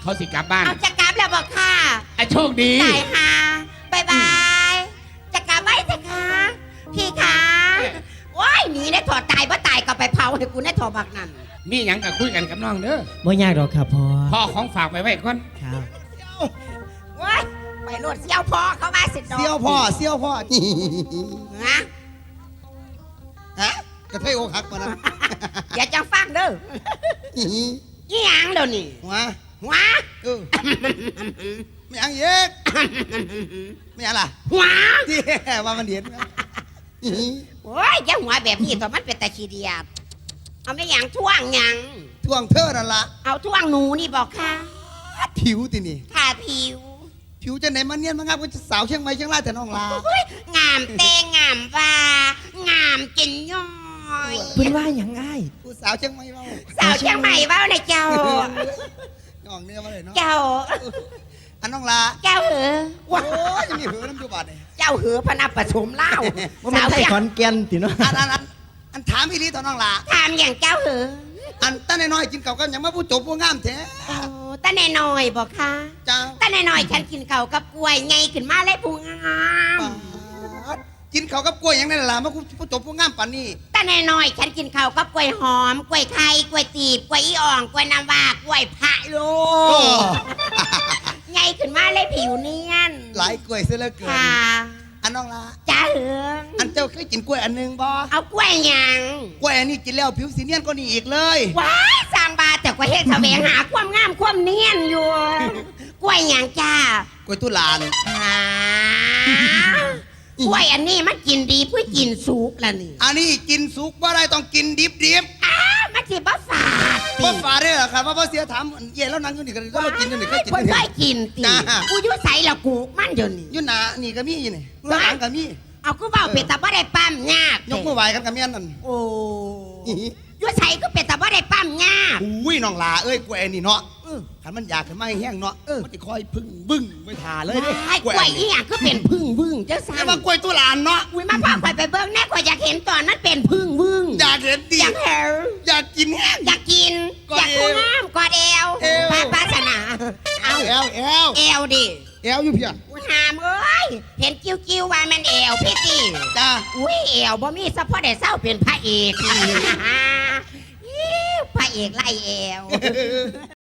เขาสิกลับบ้านเอาจะกลับแล้วบอกค่ะโชคดีตายค่ะบายบายจะกลับไว้สิคะพี่คะว้ายหนีได้ถอดตายบ่ตายก็ไปเผาให้กูได้ถอดบักนั่นมีหยังก็คุยกันกับน้องเด้อไม่ยากหรอกครับพ่อพ่อของฝากไปไว้ก่อนครับว้ายไปโลดเสี่ยวพอเขามาสิดอกเสี่ยวพ่อเสี่ยวพ่อฮะฮะกระเทยอกหักมานะอย่าจังฟังเด้อยี่หยังเดี๋ยวนี้หัวหัวไม่ยังเย็กไม่ยังล่ะหัวที่ว่ามันเดียนโอ้ยอย่าหัวแบบนี้ตัวมันเป็นตะขี้เดียบเอาไม่หยังท่วงหยังท่วงเธอนั่นละเอาท่วงหนูนี่บอกค่ะผิวตินี่ทาผิวผิวจะไหนมันเนียนมางามก็จะสาวเชียงใหม่เชียงรายแต่น้องลาโอ้ยงามเตงงามว่างามจินย้อยเพิ่นว่าอย่างง่ายผู้สาวเชียงใหม่เมาสาวเชียงใหม่เว้าในเจ้าน้องเนื้อมาเลยเนาะเจ้าอันน้องลาเจ้าเหอโอ้ยยังมีหือน้ำจุบาดเลยเจ้าเหอพนับประสมเล่าว่ามันไทยขอนแก่นติเนาะอันถามอีลีตอนน้องลาถามอย่างเจ้าเหออันตั้งน้อยๆกินเก่าก็ยังมาผู้จบผู้งามแท้โอ้ตาแน่น้อยบอกค่ะจ้าตาแน่น้อยฉันกินข้าวกับกล้วยไงขึ้นมาเลยผู้งามกินเขาวกับกล้วยอย่างนั้นล่ะมาผู้จบผู้งามปานนี้ตาแน่น้อยฉันกินข้าวกับกล้วยหอมกล้วยไข่กล้วยตีบกล้วยอีอ่องกล้วยน้ำว้ากล้วยพะโลไงขึ้นมาเลยผิวเนียนหลายกล้วยเสียเหลือเกินค่ะอันน้องลาจ้าเหออันเจ้าเคยกินกล้วยอันหนึงบ่เอากล้วยหยังกล้วยอันนี้กินแล้วผิวสีเนียนก็นี่อีกเลยว้ายสร้างบาแต่กว่าเฮ็ดแสวงหาความงามความเนียนอยู่กล้วยหยังจ้ากล้วยตุลานกล้วยอันนี้มันกินดีเพื่อกินสุกละนี่อันนี้กินสุกบ่ได้ต้องกินดิบมันสิบ่ฝาดบ่ฝาดได้หรอครับว่าบ่เสียถามเย่แล้วนั่งอยู่นี่กันแล้วเรากินอยู่นี่เคยกินเพิ่นอยู่เคนี่ยกินติจ้ากูอยู่ไสละกูมันเดี๋ยวนี้อยู่หน้านี่ก็มีอยู่นี่ข้างหลังก็มีเอากูเว้าเป็ดตาบ่ได้ปั๊มยากยกมือไหว้กันกับแม่นนั่นโอ้อยู่ไสก็เป็ดตาบ่ได้ปั๊มยากอุ้ยน้องลาเอ้ยกล้วยอันนี้เนาะคันมันอยากขึ้นมาให้แห้งเนาะมันสิคอยพึ่งบึ้งไปทาเลยเด้ว้ายกล้วยอีหยังก็เป็นพึ่งวึ่งจังซั่แต่นว่ากล้วยตุลานเนาะอุ้ยมาพาข่อยไปเบิ่งแน่ข่อยอยากเห็นตอนนั้นเป็นพึ่งวึ่งอยากเห็นดีอยากเห็นอยากกินแห้งอยากกินกออดยากเอวกูงามกอดเอวเอวปาสนาเอาแอลเอวดิอยู่เพียอุ้ยหามเอ้ยเห็นกิ้วว่ามันเอวพี่ติจ้าอุ้ยเอวบ่มีสะพอได้เศร้าเป็นพระเอก อิ๊วพระเอกไล่เอว